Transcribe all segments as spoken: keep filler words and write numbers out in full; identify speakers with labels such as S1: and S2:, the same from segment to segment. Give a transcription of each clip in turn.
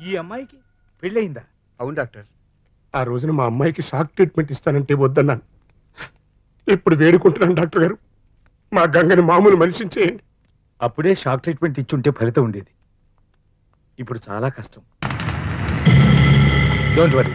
S1: ఈ అమ్మాయికి పెళ్ళయిందా?
S2: అవును డాక్టర్. ఆ రోజున మా అమ్మాయికి షాక్ ట్రీట్మెంట్ ఇస్తానంటే వద్దన్నాను. ఇప్పుడు వేడుకుంటున్నాను డాక్టర్ గారు, మా గంగని మామూలు మనిషిని చేయండి.
S1: అప్పుడే షాక్ ట్రీట్మెంట్ ఇచ్చుంటే ఫలితం ఉండేది. ఇప్పుడు చాలా కష్టం. Don't worry.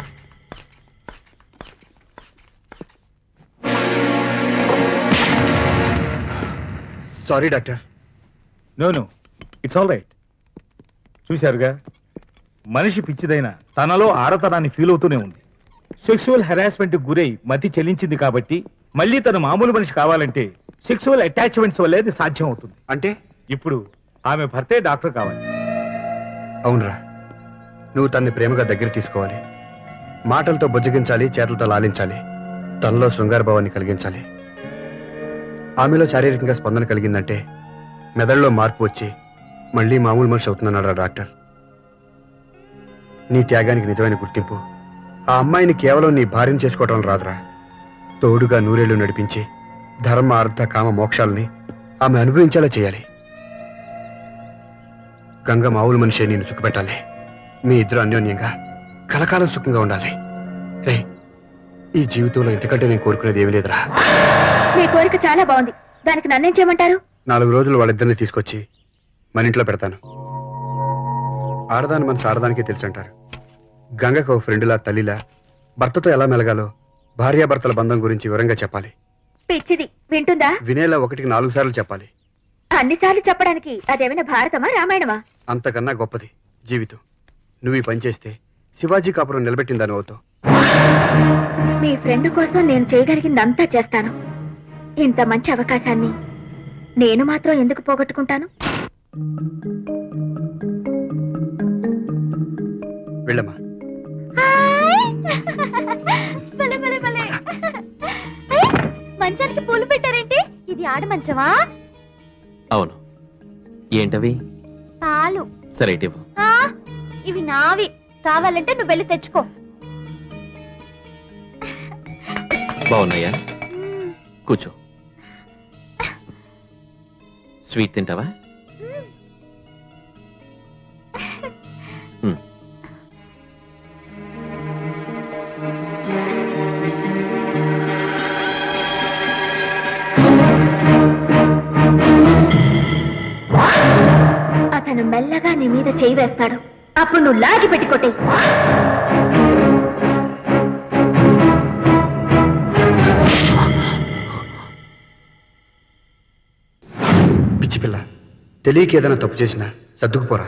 S2: Sorry doctor.
S1: No no, it's all right. చూశారుగా, మనిషి పిచ్చిదైన తనలో ఆడతనాన్ని ఫీల్ అవుతూనే ఉంది. సెక్సువల్ హెరాస్మెంట్ గురై మతి చెల్లించింది కాబట్టి మళ్ళీ తన మామూలు మనిషి కావాలంటే సెక్సువల్ అటాచ్మెంట్స్ వల్లే అది సాధ్యం అవుతుంది.
S2: అంటే
S1: ఇప్పుడు ఆమె భర్తే డాక్టర్ కావాలి.
S2: అవునరా, నువ్వు తన్ని ప్రేమగా దగ్గర తీసుకోవాలి. మాటలతో బుజ్జగించాలి, చేతులతో లాలించాలి, తనలో శృంగార భావాన్ని కలిగించాలి. ఆమెలో శారీరకంగా స్పందన కలిగిందంటే మెదడులో మార్పు వచ్చి మళ్ళీ మామూలు మనిషి అవుతుందన్నాడు డాక్టర్. నీ త్యాగానికి నిజమైన గుర్తింపు ఆ అమ్మాయిని కేవలం నీ భార్యను చేసుకోవటం రాదురా, తోడుగా నూరేళ్లు నడిపించి ధర్మ అర్థ కామ మోక్షాలని ఆమె అనుభవించేలా చేయాలి. గంగ మామూలు మనిషి నేను సుఖపెట్టాలి. మీ ఇద్దరు అన్యోన్యంగా కలకాలం సుఖంగా ఉండాలి. రే, ఈ జీవితంలో ఇంతకంటే నేను కోరుకునేది ఏమీ లేదురా.
S3: మీ కోరిక చాలా బాగుంది, దానికి నన్నేం చేయమంటారు?
S2: నాలుగు రోజులు వాళ్ళిద్దరిని తీసుకొచ్చి మన ఇంట్లో పెడతాను. ఆడదాని మనసు ఆడదానికే తెలుసు అంటారు. గంగకు ఒక ఫ్రెండ్లా, తల్లిలా భర్తతో ఎలా మెలగాలో భార్యాభర్తల బంధం గురించి వివరంగా చెప్పాలి.
S3: పిచ్చిది వింటుందా?
S2: వినేలా ఒకటికి నాలుగు సార్లు చెప్పాలి.
S3: అన్నిసార్లు చెప్పడానికి అదేమైనా భారతమా రామాయణమా?
S2: అంతకన్నా గొప్పది జీవితం. నువ్వు ఈ పని చేస్తే శివాజీ కాపురం నిలబెట్టిందని అవుతావు.
S3: మీ ఫ్రెండ్ కోసం నేను చేయగలిగిందంతా చేస్తాను. ఇంత మంచి అవకాశాన్ని నేను మాత్రం ఎందుకు పోగొట్టుకుంటాను?
S2: వెళ్ళమ్మా.
S3: మంచానికి పూలు పెట్టారేంటి? ఇది ఆడ మంచమా?
S4: అవును. ఏంటవి?
S3: పాలు.
S4: సరే ఇవ్వు.
S3: ఇవి నావి, కావాలంటే నువ్వు వెళ్ళి తెచ్చుకో.
S4: బాగున్నాయా? కూర్చో. స్వీట్ తింటావా?
S3: అతను మెల్లగా నీ మీద చేయి వేస్తాడు, అప్పుడు నువ్వు లాగి పెట్టి కొట్టే.
S2: పిచ్చి పిల్ల, తెలియక ఏదైనా తప్పు చేసినా సర్దుకుపోరా.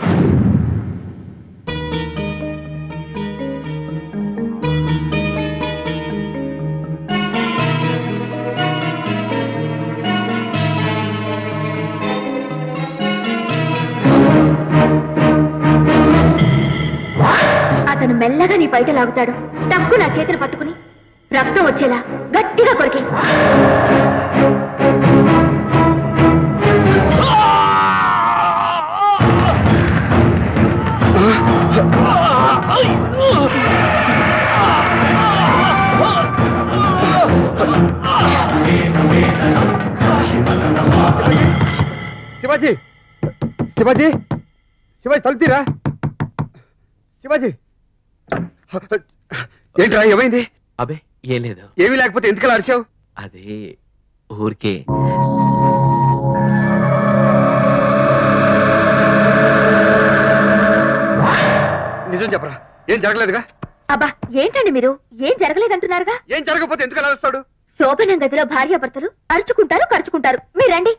S3: అతను మెల్లగా నీ బయట లాగుతాడు, టక్కు నా చేతులు పట్టుకుని రక్తం వచ్చేలా గట్టిగా కొరికి.
S2: శివాజీ, శివాజీ, శివాజీ తలుపుతీరా. శివాజీ, ఏంట్రా ఏమైంది?
S4: అబే ఏం లేదు.
S2: ఏమీ లేకపోతే ఎందుకలా అరిచావు?
S4: అదే ఊరికే.
S2: నిజం చెప్పరా, ఏం జరగలేదుగా?
S3: అబ్బా ఏంటండి మీరు, ఏం జరగలేదంటున్నారుగా?
S2: ఏం జరగకపోతే ఎందుకు అలా వస్తాడు?
S3: శోభనం గదిలో భార్యాభర్తలు అరుచుకుంటారు, కరుచుకుంటారు. మీరండి.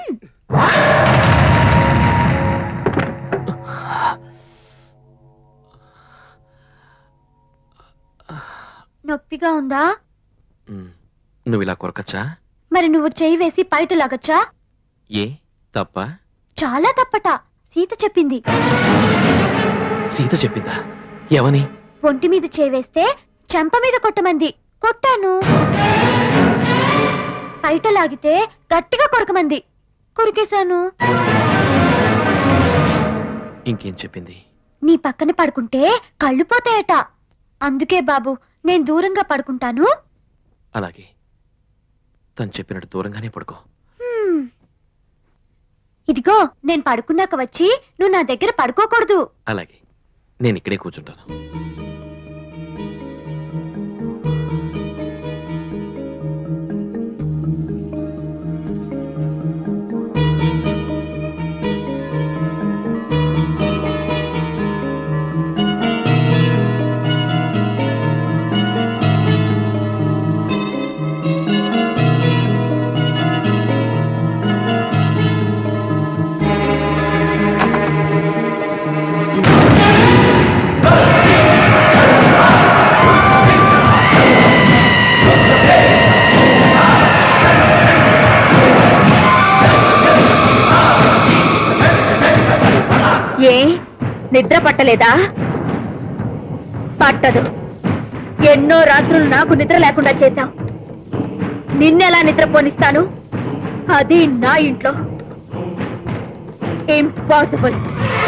S3: నొప్పిగా ఉందా?
S4: నువ్వు ఇలా కొరకచ్చా?
S3: మరి నువ్వు చేయి వేసి పైట లాగచ్చా?
S4: ఏ తప్ప?
S3: చాలా తప్పట. సీత చెప్పింది.
S4: సీత చెప్పిందా? ఎవని?
S3: ఒంటి మీద చేయి వేస్తే చెంప మీద కొట్టమంది. కొట్టాను. పైట లాగితే గట్టిగా కొరకమంది. కొరికేశాను.
S4: ఇంకేం చెప్పింది?
S3: నీ పక్కన పడుకుంటే కళ్ళు పోతాయట. అందుకే బాబు నేను దూరంగా పడుకుంటాను.
S4: అలాగే, తను చెప్పినట్టు దూరంగానే పడుకో.
S3: ఇదిగో నేను పడుకున్నాక వచ్చి నువ్వు నా దగ్గర పడుకోకూడదు.
S4: అలాగే, నేను ఇక్కడే కూర్చుంటాను.
S3: ఏ నిద్ర పట్టలేదా? పట్టదు. ఎన్నో రాత్రులు నాకు నిద్ర లేకుండా చేశావు. నిన్నెలా నిద్ర పోనిస్తాను? అది నా ఇంట్లో. ఇంపాసిబుల్.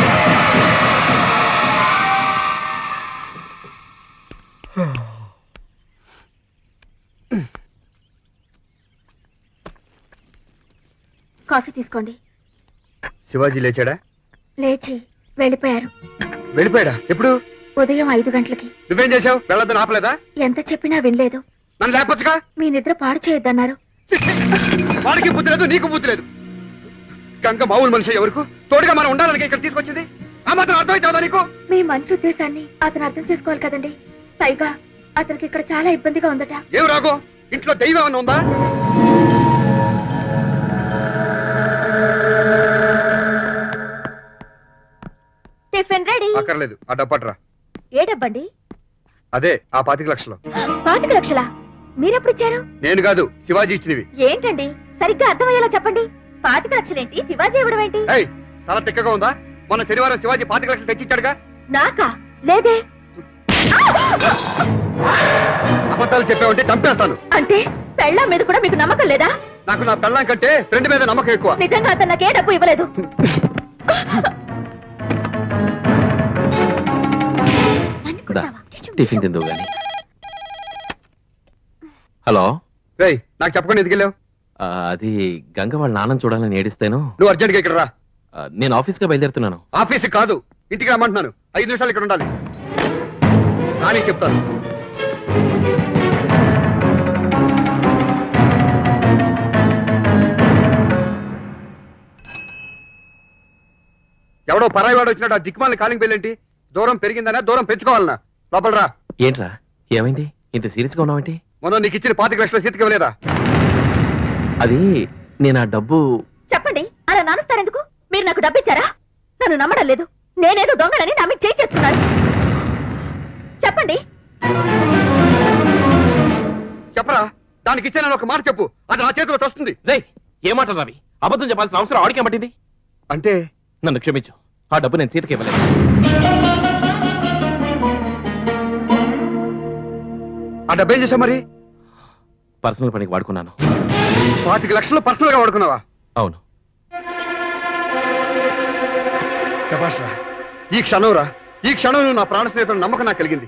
S3: కాఫీ తీసుకోండి.
S2: శివాజీ లేచాడా?
S3: లేచి వెళ్ళిపోయారు.
S2: వెళ్ళిపోయాడా? ఎప్పుడు?
S3: ఉదయం ఐదు గంటలకి.
S2: నువ్వేం చేసావు? వెళ్ళొద్దని ఆపలేదా?
S3: ఎంత చెప్పినా వినలేదు.
S2: నన్ను లేపొచ్చుగా.
S3: మీ నిద్ర పాడు చేయొద్దన్నారు.
S2: వాడికి బుద్ధి లేదు, నీకు బుద్ధి లేదు. గంగ మామూలు మనిషి ఎవరికి తోడుగా మనం ఉండాలని ఇక్కడ తీసుకొచ్చింది. ఆ మాత్రం అర్థమైతే నీకు?
S3: మీ మంచి ఉద్దేశాన్ని అతను అర్థం చేసుకోవాలి కదండి. పైగా అతనికి ఇక్కడ చాలా ఇబ్బందిగా ఉందట.
S2: ఏం రాగో, ఇంట్లో దైవం ఏమన్నా ఉందా?
S3: Tiffin ready.
S2: అక్కర్లేదు, ఆ డబ్బట్రా.
S3: ఏ డబ్బండి?
S2: అదే ఆ పాతిక లక్షలు.
S3: పాతిక లక్షలా? మీరెప్పుడు ఇచ్చారు?
S2: నేను కాదు, శివాజీ ఇచ్చినవి.
S3: ఏంటండి సరిగ్గా అర్థమయ్యేలా చెప్పండి. పాతిక లక్షలేంటి, శివాజీ ఇవ్వడం ఏంటి?
S2: ఏయ్, తల తిక్కగా ఉందా? మొన్న శనివారం శివాజీ పాతిక లక్షలు తెచ్చిచ్చాడుగా.
S3: నాకా? లేదే.
S2: అబద్ధాలు చెప్పావంటే చంపేస్తాను.
S3: అంటే పెళ్ళాం మీద కూడా మీకు నమ్మకం లేదా?
S2: నాకు నా పెళ్ళాం కంటే ఫ్రెండ్ మీద నమ్మకం ఎక్కువ.
S3: నిజంగా అతను నాకే డబ్బు ఇవ్వలేదు.
S4: దా, టిఫిన్ తిందువు గాని. హలో.
S2: రేయ్, నాకు చెప్పకుండా ఎందుకు వెళ్ళావు?
S4: ఆ, అది గంగ వాళ్ళ నాన్నని చూడాలని ఏడిస్తేను.
S2: నువ్వు అర్జెంట్ గా ఇక్కడ రా.
S4: ఆ, నేను ఆఫీస్గా బయలుదేరుతున్నాను.
S2: ఆఫీస్ కాదు, ఇంటికి రమ్మంటున్నాను. ఐదు నిమిషాలు ఇక్కడ ఉండాలి. నాని చెప్తాను. ఎవడో పరాయి వాడు వచ్చినట్టు ఆ దిక్కుమాలని కాలింగ్ బెల్లేంటి? దూరం పెరిగిందనా దూరం పెంచుకోవాలనా? లోపల రా.
S4: ఏంట్రా, ఏమైంది? ఇంత సీరియస్ గా ఉన్నావేంటి?
S2: మొన్న నీకు ఇచ్చిన పాతిక లక్షల సీతకి ఇవ్వలేదా?
S4: అది నేను ఆ డబ్బు.
S3: చెప్పండి, అలా నానుస్తారెందుకు? మీరు నాకు డబ్బు ఇచ్చారా? నన్ను నమ్మడం లేదు. నేనేదో దొంగలని నా మీద చేయి చేస్తున్నాను. చెప్పండి.
S2: చెప్పరా? దానికి ఇచ్చానని ఒక మాట చెప్పు. అది నా చేతిలో వస్తుంది.
S4: రేయ్, ఏమంటారు రవి? అబద్ధం చెప్పాల్సిన అవసరం ఆడికే పట్టింది.
S2: అంటే
S4: నన్ను క్షమించు, ఆ డబ్బు నేను సీతకి ఇవ్వలేదు.
S2: ఆ డబ్బు ఏం చేసావు మరి?
S4: పర్సనల్ పనికి వాడుకున్నాను.
S2: పాతిక లక్షలు పర్సనల్ గా వాడుకున్నావా?
S4: అవును.
S2: శభాష్ రా. ఈ క్షణం రా, ఈ క్షణం నువ్వు నా ప్రాణ స్నేహితుడు నమ్మకం నాకు కలిగింది.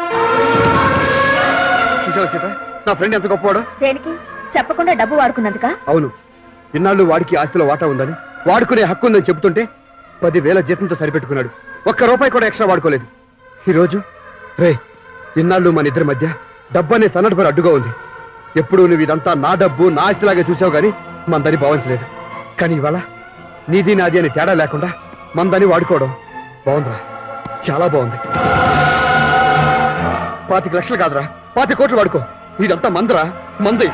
S2: చూసావా సీత, నా ఫ్రెండ్ ఎంత గొప్పవాడు?
S3: దేనికి? చెప్పకుండా డబ్బు వాడుకున్నందుక?
S2: అవును. ఇన్నాళ్ళు వాడికి ఆస్తిలో వాటా ఉందని, వాడుకునే హక్కు ఉందని చెబుతుంటే పదివేల జీతంతో సరిపెట్టుకున్నాడు. ఒక్క రూపాయి కూడా ఎక్స్ట్రా వాడుకోలేదు. ఈరోజు రే, ఇన్నాళ్ళు మన ఇద్దరి మధ్య డబ్బు అనే సన్నటి అడ్డుగా ఉంది. ఎప్పుడు నువ్వు ఇదంతా నా డబ్బు నా ఆస్తిలాగే చూసావు గానీ మందని భావించలేదు. కానీ ఇవాళ నీది నాది అని తేడా లేకుండా మందని వాడుకోవడం బాగుందిరా, చాలా బాగుంది. పాతిక లక్షలు కాదురా, పాతి కోట్లు వాడుకో. ఇదంతా మందరా, మంది.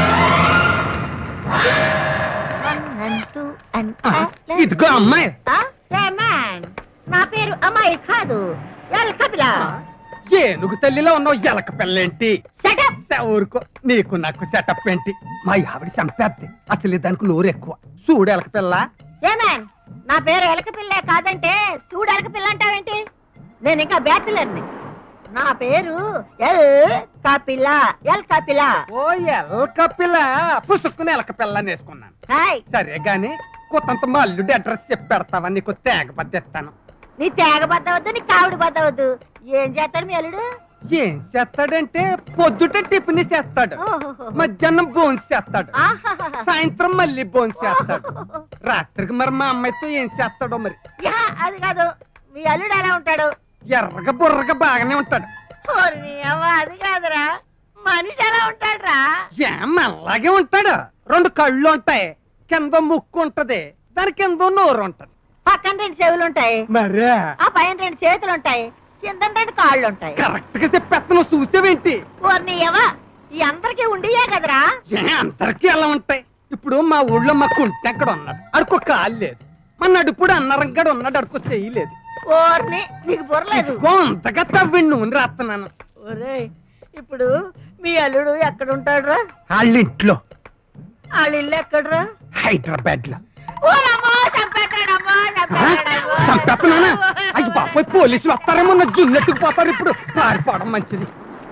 S5: ఇదిగో అమ్మాయి.
S6: నా పేరు అమ్మాయి కాదు, ఎల్కపిల.
S5: ఏనుగు తల్లిలో ఉన్నావు, ఎలక పిల్లేంటి? ఊరుకో, నీకు నాకు సెటప్ ఏంటి? మా ఆవిడ చంపేద్ది. అసలు దానికి నోరు ఎక్కువ. చూడు ఎలక పిల్ల.
S6: ఏమేన్, నా పేరు ఎలకపిల్లే కాదంటే చూడు ఎలకపిల్ల అంటావేంటి? నేను ఇంకా బ్యాచులర్ని. నా పేరు ఎల్ కపిల. ఎల్ కపిల.
S5: ఓ ఎలక పిల్ల. పుసుక్కుని ఎలక పిల్ల వేసుకున్నాను.
S6: హాయ్.
S5: సరే గాని కొత్తంత మా అల్లుడి అడ్రస్ చెప్పి పెడతావా? నీకు తేగ బద్దెత్తాను.
S6: నీ తేగ బద్దవద్దు, నీ కావిడి బద్దవద్దు. ఏం చేస్తాడు మీ అల్లుడు?
S5: ఏం చేస్తాడంటే పొద్దుట టిఫిన్ చేస్తాడు,
S6: ఓహోహో.
S5: మధ్యాహ్నం బోన్స్ చేస్తాడు,
S6: ఆహాహాహా.
S5: సాయంత్రం మళ్ళీ బోన్స్ చేస్తాడు, రాత్రికి మరి మా అమ్మాయితో ఏం చేస్తాడో మరి.
S6: యా, అది కాదు, మీ అల్లుడు ఎలా ఉంటాడు?
S5: ఎర్రగా బుర్రగా బాగానే ఉంటాడు.
S6: ఓర్ని అవ్వ, అది కాదురా, మనిషి ఎలా ఉంటాడురా?
S5: ఏం అలాగే ఉంటాడు. రెండు కళ్ళు ఉంటాయి, కింద ముక్కు ఉంటది, దాని కింద నోరు ఉంటది.
S6: పక్కన రెండు చెవులు ఉంటాయి,
S5: మరే
S6: ఆ పైన రెండు చేతులు ఉంటాయి, కింద రెండు కాళ్ళు ఉంటాయి.
S5: కరెక్ట్ గా చెప్పేస్తాను, చూసేవేంటి?
S6: ఓర్ని అవ్వ, ఈ అందరికీ ఉండియే కదరా?
S5: ఏ అందరికీ ఎలా ఉంటాయి? ఇప్పుడు మా ఊళ్ళో మా కుంటి అక్కడ ఉన్నాడు, అడుకో కాలు లేదు. మా నడుపుడు అన్నరంగడు ఉన్నాడు, అడుకో చేయలేదు.
S6: ఓర్ని, నీకు బుర్రలేదు.
S5: అంతగా తవ్వి నూనె రాస్తున్నాను.
S6: ఒరేయ్, ఇప్పుడు మీ అల్లుడు ఎక్కడ ఉంటాడురా?
S5: వాళ్ళ ఇంట్లో
S6: వాళ్ళ ఇల్లు ఎక్కడరా?
S5: హైదరాబాద్ లో.
S6: ఓరమ్మో, చంపేస్తాడమ్మో, చంపేస్తాడమ్మో.
S5: చంపేస్తున్నానా? అయ్యి బాపోయ్, పోలీసులు వస్తారేమో, నా జుల్లెట్టుకు పోతారు. ఇప్పుడు పారిపోవడం మంచిది.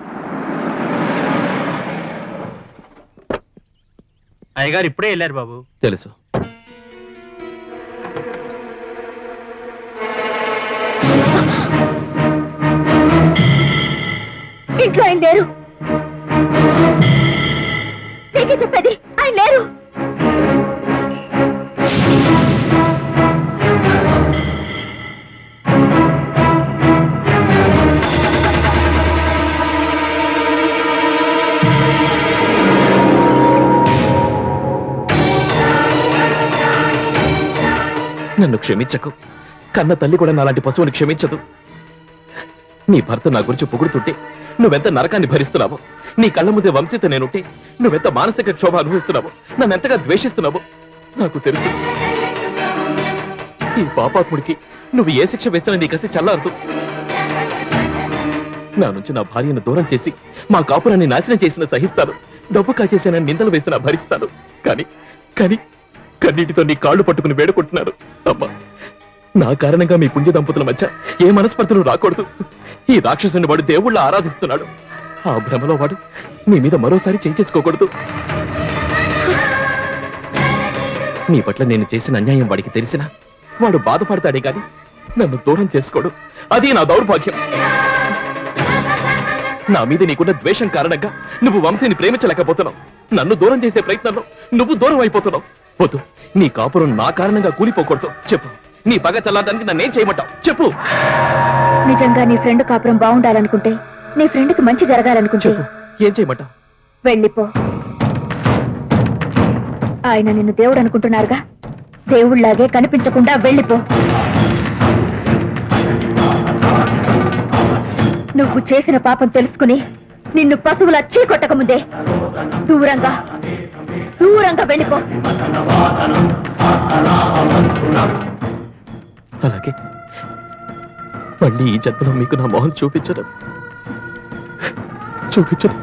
S7: అయ్యగారు ఇప్పుడే వెళ్ళారు బాబు.
S4: తెలుసు.
S3: ఇంట్లో ఆయన లేరు. నీకే చెప్పేది, ఆయన లేరు.
S4: నన్ను క్షమించకు. కన్న తల్లి కూడా నాలాంటి పశువుని క్షమించదు. నీ భర్త నా గురించి పొగుడుతుంటే నువ్వెంత నరకాన్ని భరిస్తున్నావు, నీ కళ్ళ ముందే వంశీత నేనుంటే నువ్వెంత మానసిక క్షోభ అనుభవిస్తున్నావు, నన్ను ఎంతగా ద్వేషిస్తున్నావు నాకు తెలుసు. ఈ పాపాత్ముడికి నువ్వు ఏ శిక్ష వేసినా నీ కసి చల్లారదు. నా నుంచి నా భార్యను దూరం చేసి మా కాపురాన్ని నాశనం చేసిన సహిస్తాను, డబ్బు కాచేసానని నిందలు వేసినా భరిస్తాను. కానీ కానీ కన్నీటితో నీ కాళ్ళు పట్టుకుని వేడుకుంటున్నాను. అమ్మా, నా కారణంగా మీ పుణ్య దంపతుల మధ్య ఏ మనస్పర్ధలు రాకూడదు. ఈ రాక్షసుని వాడు దేవుళ్ళ ఆరాధిస్తున్నాడు. ఆ భ్రమలో వాడు నీ మీద మరోసారి చేయి చేసుకోకూడదు. నీ పట్ల నేను చేసిన అన్యాయం వాడికి తెలిసినా వాడు బాధపడతాడే గాని నన్ను దూరం చేసుకోడు. అది నా దౌర్భాగ్యం. నా మీద నీకున్న ద్వేషం కారణంగా నువ్వు వంశీని ప్రేమించలేకపోతున్నావు. నన్ను దూరం చేసే ప్రయత్నంలో నువ్వు దూరం అయిపోతున్నావు. వద్దు, నీ కాపురం నా కారణంగా కూలిపోకూడదు. చెప్పు, నీ పగ చల్లారడానికి నన్నేం చేయమంటావు? చెప్పు.
S3: నిజంగా నీ ఫ్రెండ్ కాపురం బాగుండాలనుకుంటే, నీ ఫ్రెండ్ కి మంచి జరగాలనుకుంటే
S4: చెప్పు, ఏం చేయమంటావు?
S3: వెళ్ళిపో. ఆయన నిన్ను దేవుడు అనుకుంటున్నారుగా, దేవుళ్లాగే కనిపించకుండా వెళ్ళిపో. నువ్వు చేసిన పాపం తెలుసుకుని నిన్ను పశువుల చీకొట్టక ముందే దూరంగా దూరంగా వెళ్ళిపో.
S4: అలాగే మళ్ళీ ఈ జన్మలో మీకు నా మొహం చూపించడం చూపించడం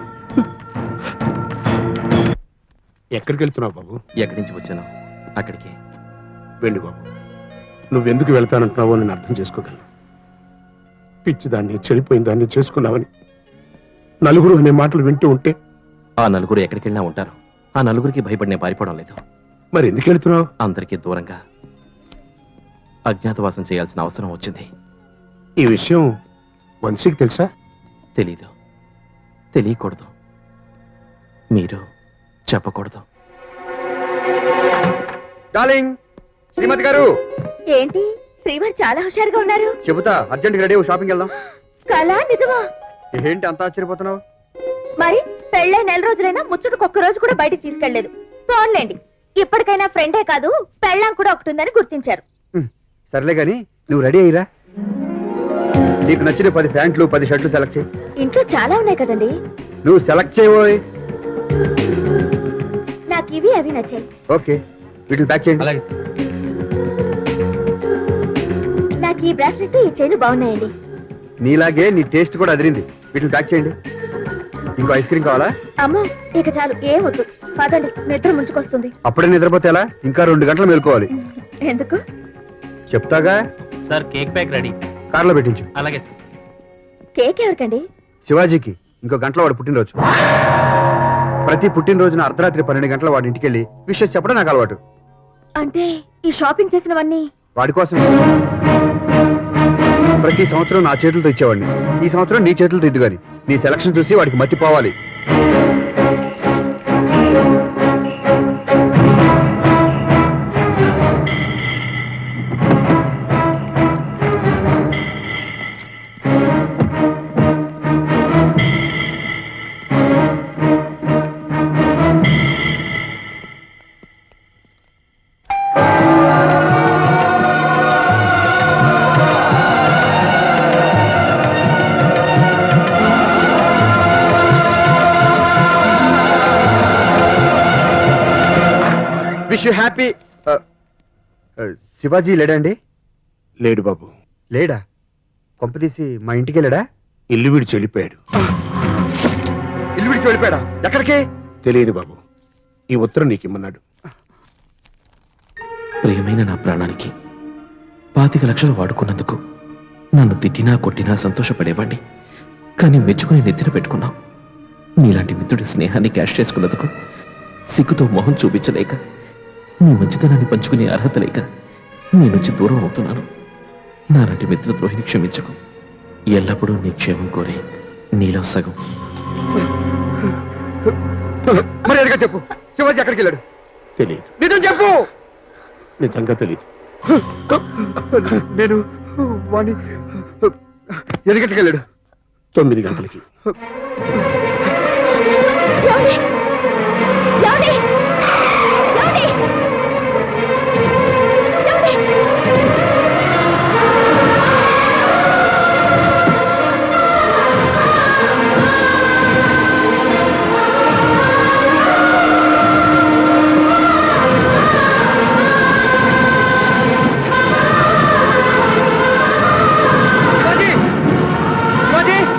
S7: ఎక్కడికి వెళ్తున్నావు బాబు?
S4: ఎక్కడి నుంచి వచ్చాను అక్కడికి.
S7: వెళ్ళు బాబు. నువ్వెందుకు వెళ్తానంటున్నావో నేను అర్థం చేసుకోగలను. పిచ్చి దాన్ని, చెడిపోయిన దాన్ని చేసుకున్నావని నలుగురు అనే మాటలు వింటూ ఉంటే.
S4: ఆ నలుగురు ఎక్కడికి వెళ్ళినా ఉంటారు. ఆ నలుగురికి భయపడి నేను పారిపోవడం లేదు.
S7: మరి ఎందుకు వెళ్తున్నావు?
S4: అందరికీ దూరంగా అజ్ఞాతవాసం చేయాల్సిన అవసరం వచ్చింది.
S7: ఈ విషయం వంశీకి తెలుసా?
S4: తెలీదు, తెలియకూడదు, మీరు చెప్పకూడదు.
S2: డార్లింగ్, శ్రీమతి గారు.
S3: ఏంటి శ్రీవారు చాలా హుషారుగా ఉన్నారు?
S2: చెబుతా, అర్జెంట్ రెడీ, షాపింగ్ వెళ్దాం.
S3: కళ నిజమా?
S2: ఏంటి అంత ఆశ్చర్యపోతున్నావు?
S3: మరి పెళ్ళై నెల రోజులైనా ముచ్చుడుకు ఒక్క రోజు కూడా బయటికి తీసుకెళ్లేదు. ఫోన్లేండి, ఇప్పటికైనా ఫ్రెండే కాదు పెళ్ళాం కూడా ఒకటి ఉందని గుర్తించారు.
S2: సర్లే గాని నువ్వు రెడీ అయ్యిరా. నీకు నచ్చిన పది ప్యాంట్లు పది షర్ట్లు సెలెక్ట్ చేయి.
S3: ఇంట్లో చాలా ఉన్నాయి కదండి.
S2: నువ్వు సెలెక్ట్ చేయబోయ్.
S3: నాకు ఇవి అవి నచ్చాయి.
S2: ఓకే, వీటిని ప్యాక్ చేయండి.
S5: అలాగే.
S3: నాకు ఈ బ్రాస్లెట్ ఈ చైన్ బాగున్నాయండి.
S2: నీలాగే నీ టేస్ట్ కూడా అదిరింది. వీటిని ప్యాక్ చేయండి. ఇంకో ఐస్ క్రీమ్ కావాలా?
S3: అమ్మో ఇక చాలు, ఏం వద్దు. పదండి, నిద్ర ముంచుకొస్తుంది.
S2: అప్పుడే నిద్రపోతే ఎలా? ఇంకా రెండు గంటలు మేలుకోవాలి.
S3: ఎందుకు?
S2: చెప్తాగా.
S7: Sir, cake pack ready.
S2: కార్లో పెట్టించు.
S7: అలాగే సార్.
S3: కేక్ ఎవరికండి?
S2: శివాజీకి. ఇంకో గంటలో వాడు పుట్టినరోజు. ప్రతి పుట్టినరోజున అర్ధరాత్రి పన్నెండు గంటల వాడి ఇంటికి వెళ్ళి విషయం చెప్పడం నాకు అలవాటు.
S3: అంటే ఈ షాపింగ్ చేసినవన్నీ
S2: వాడి కోసం. ప్రతి సంవత్సరం నా చేతులతో ఇచ్చేవాడిని, ఈ సంవత్సరం నీ చేతులతో ఇద్దు గాని. నీ సెలక్షన్ చూసి వాడికి మర్చిపోవాలి. Wish you happy. శివాజీ లేడండి?
S7: లేడు బాబు,
S2: లేడా? కొంపదీసి మా ఇంటికి వెళ్ళాడా?
S7: ఇల్లు విడిచి వెళ్ళిపోయాడు.
S2: ఇల్లు విడిచి వెళ్ళిపోయాడా? ఎక్కడికి?
S7: తెలియదు బాబు, ఈ ఉత్తరం నీకు ఇమ్మన్నాడు.
S4: ప్రియమైన నా ప్రాణానికి పాతిక లక్షలు వాడుకున్నందుకు నన్ను తిట్టినా కొట్టినా సంతోషపడేవాణ్ణి. కానీ మెచ్చుకుని నెత్తిన పెట్టుకున్నావు. నీలాంటి మిత్రుడి స్నేహాన్ని క్యాష్ చేసుకున్నందుకు సిగ్గుతో మొహం చూపించలేక, నీ మంచితనాన్ని పంచుకునే అర్హత లేక నీ నుంచి దూరం అవుతున్నాను. నాలాంటి మిత్రద్రోహిని క్షమించకు. ఎల్లప్పుడూ నీ క్షేమం కోరే నీలో సగం.
S2: మరి అదిగా చెప్పు, శివాజీ ఎక్కడికి వెళ్ళాడు?
S7: తెలియదు.
S2: నిజం చెప్పు.
S7: నిజంగా తెలియదు.
S2: నేను వాణ్ణి ఎన్ని గంటలకు వెళ్ళాడు?
S7: తొమ్మిది గంటలకి.
S3: ఏమండి? ఏమండి? ఏమండి? ఏమండి?
S2: Shivaji!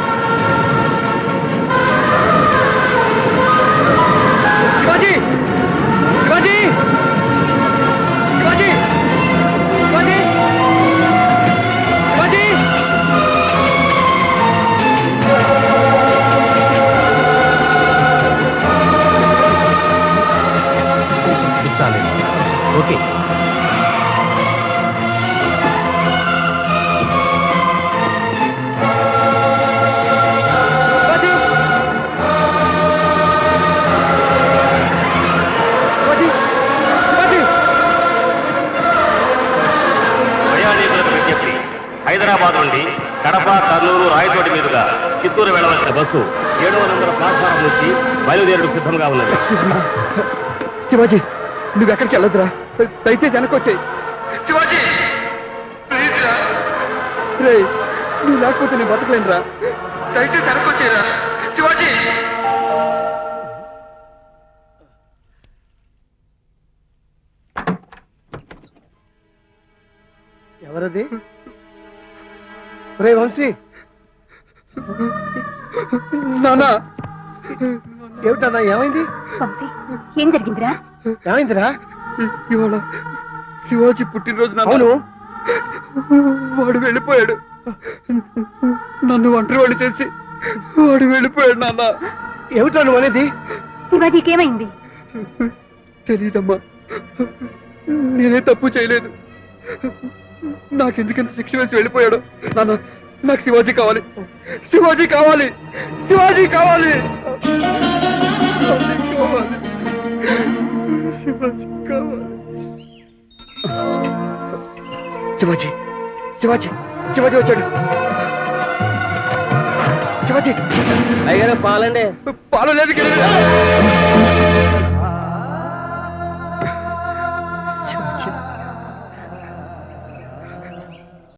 S2: Shivaji! Shivaji! Shivaji! Shivaji! Shivaji! Shivaji!
S1: It's all right. Okay.
S2: Shivaji! Shivaji! Shivaji!
S8: ప్రయాణికులకు విజ్ఞప్తి. హైదరాబాద్ నుండి కడప, కర్నూలు, రాయచోటి మీదుగా చిత్తూరు వెళ్లవలసిన బస్సు ఏడవ నంబర్ ప్లాట్ఫారం నుంచి బయలుదేరడం సిద్ధంగా ఉన్నది.
S2: శివాజీ, నువ్వు ఎక్కడికి వెళ్ళొద్దురా, దయచేసి వెనక్కి వచ్చాయి. శివాజీ ప్లీజ్ రా. రే, నువ్వు లేకపోతే నేను బతకలేనురా, దయచేసి వెనక్కి వచ్చేరా. శివాజీ!
S5: ఎవరది? రే వంశీ,
S2: నానా,
S5: ఏమిటన్నా ఏమైంది?
S3: వంశీ, ఏం జరిగిందిరా?
S5: ఏమైందిరా?
S2: ఇవాళ శివాజీ పుట్టినరోజు నాన్న.
S5: అవును.
S2: వాడు వెళ్ళిపోయాడు. నన్ను ఒంటరి వాడు చేసి వాడు వెళ్ళిపోయాడు నాన్న.
S5: ఏమిటా నువ్వు అనేది?
S3: శివాజీకి ఏమైంది?
S2: తెలీదమ్మా, నేనే తప్పు చేయలేదు. నాకెందుకంత శిక్ష వేసి వెళ్ళిపోయాడు. నాన్న, నాకు శివాజీ కావాలి, శివాజీ కావాలి, శివాజీ కావాలి, శివాజీ కావాలి, శివాజీ కావాలి. శివాజీ, శివాజీ, శివాజీ వచ్చాడు. శివాజీ!
S5: అయ్యారు పాలండి.
S2: పాలు లేదు.